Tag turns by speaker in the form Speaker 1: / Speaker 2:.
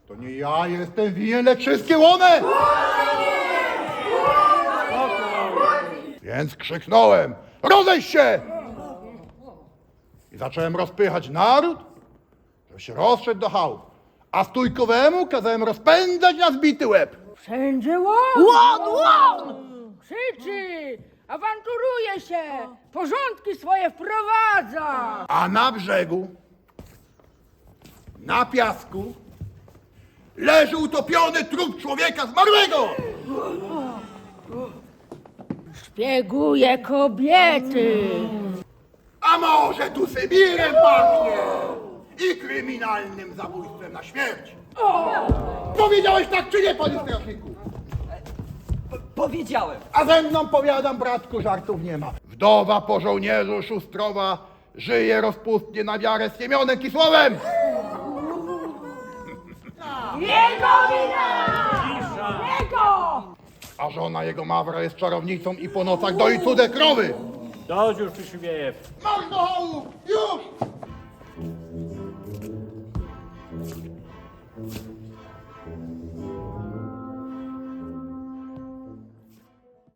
Speaker 1: To nie ja jestem winien, lecz wszystkie one! Więc krzyknąłem, rozejść się! I zacząłem rozpychać naród, żeby się rozszedł do chałup. A stójkowemu kazałem rozpędzać na zbity łeb.
Speaker 2: Wszędzie łon!
Speaker 3: Łon!
Speaker 2: Krzyczy! Awanturuje się! Porządki swoje wprowadza!
Speaker 1: A na brzegu, na piasku, leży utopiony trup człowieka zmarłego!
Speaker 2: Szpieguje kobiety!
Speaker 1: A może tu Sybirem pachnie i kryminalnym zabójstwem na śmierć? Powiedziałeś tak czy nie, panie strażniku?
Speaker 3: Powiedziałem.
Speaker 1: A ze mną powiadam, bratku, żartów nie ma. Wdowa po żołnierzu Szustrowa żyje rozpustnie na wiarę z Siemionem Kisłowem.
Speaker 2: Jego wina! Jego!
Speaker 1: A żona jego Mawra jest czarownicą i po nocach doi cudze krowy.
Speaker 4: Dość już Przyszywiec.
Speaker 1: Marsz do chałup!